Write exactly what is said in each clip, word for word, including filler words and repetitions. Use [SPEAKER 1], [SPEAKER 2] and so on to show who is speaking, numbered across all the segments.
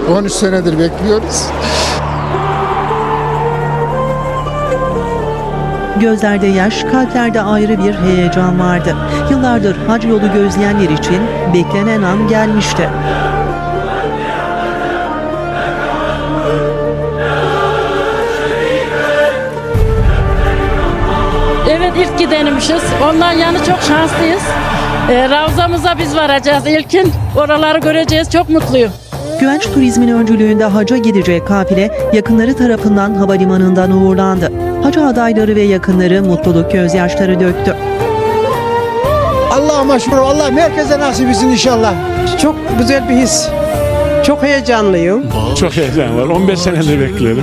[SPEAKER 1] on üç senedir bekliyoruz.
[SPEAKER 2] Gözlerde yaş, kalplerde ayrı bir heyecan vardı. Yıllardır hac yolu gözleyenler için beklenen an gelmişti.
[SPEAKER 3] Evet, ilk gidenmişiz. Ondan yani çok şanslıyız. Ee, Ravzamıza biz varacağız ilkin. Oraları göreceğiz. Çok mutluyum.
[SPEAKER 2] Güvenç Turizm'in öncülüğünde hacca gidecek kafile yakınları tarafından havalimanından uğurlandı. Hac adayları ve yakınları mutluluk gözyaşları döktü.
[SPEAKER 4] Allah'a şükür, Allah'ım herkese nasip etsin inşallah. Çok güzel bir his. Çok heyecanlıyım.
[SPEAKER 5] Çok heyecan var. on beş senedir beklerim.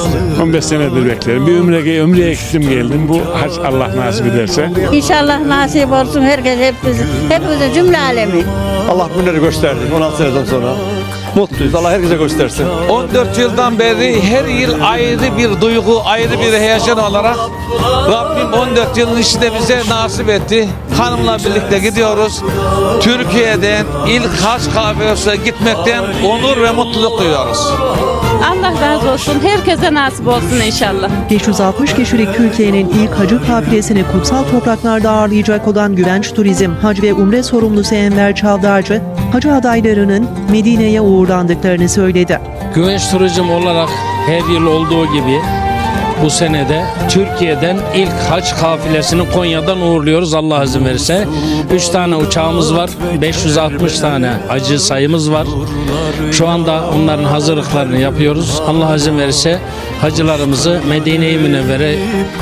[SPEAKER 5] on beş senedir beklerim. Bir ömreye, ömreye gittim geldim. Bu hac Allah nasip ederse.
[SPEAKER 6] İnşallah nasip olsun herkes, hepimiz, hepimizin cümle alemi.
[SPEAKER 7] Allah günleri gösterdi on altı seneden sonra. Mutluyuz. Allah herkese göstersin.
[SPEAKER 8] on dört yıldan beri her yıl ayrı bir duygu, ayrı bir heyecan olarak Rabbim on dört yılın içinde bize nasip etti. Hanımla birlikte gidiyoruz. Türkiye'den ilk hac kafilesine gitmekten onur ve mutluluk duyuyoruz.
[SPEAKER 3] Allah razı olsun. Herkese nasip olsun inşallah.
[SPEAKER 2] beş yüz altmış kişilik Türkiye'nin ilk hacı kafilesini kutsal topraklarda ağırlayacak olan Güvenç Turizm, Hac ve Umre sorumlusu Enver Çavdarcı, hacı adaylarının Medine'ye uğurlandıklarını söyledi.
[SPEAKER 9] Güvenç Turizm olarak her yıl olduğu gibi bu senede Türkiye'den ilk hac kafilesini Konya'dan uğurluyoruz Allah izin verirse. üç tane uçağımız var, beş yüz altmış tane hacı sayımız var. Şu anda onların hazırlıklarını yapıyoruz. Allah izin verirse hacılarımızı Medine-i Münevvere,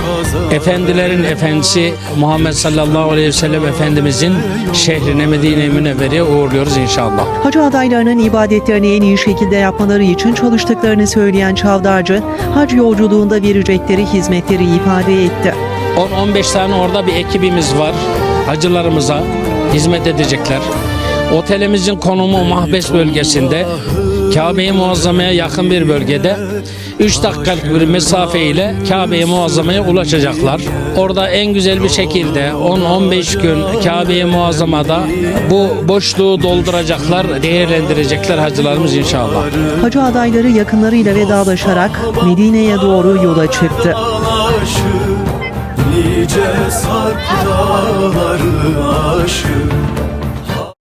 [SPEAKER 9] efendilerin efendisi Muhammed sallallahu aleyhi ve sellem Efendimizin şehrine Medine-i Münevvere'ye uğurluyoruz inşallah.
[SPEAKER 2] Hacı adaylarının ibadetlerini en iyi şekilde yapmaları için çalıştıklarını söyleyen Çavdarcı, hac yolculuğunda verecekleri hizmetleri ifade etti.
[SPEAKER 9] on on beş tane orada bir ekibimiz var. Hacılarımıza hizmet edecekler. Otelimizin konumu Mahbes bölgesinde, Kabe-i Muazzama'ya yakın bir bölgede. üç dakikalık bir mesafe ile Kabe-i Muazzama'ya ulaşacaklar. Orada en güzel bir şekilde on on beş gün Kabe-i Muazzama'da bu boşluğu dolduracaklar, değerlendirecekler hacılarımız inşallah.
[SPEAKER 2] Hacı adayları yakınlarıyla vedalaşarak Medine'ye doğru yola çıktı.
[SPEAKER 10] Nice sarp dağları aşık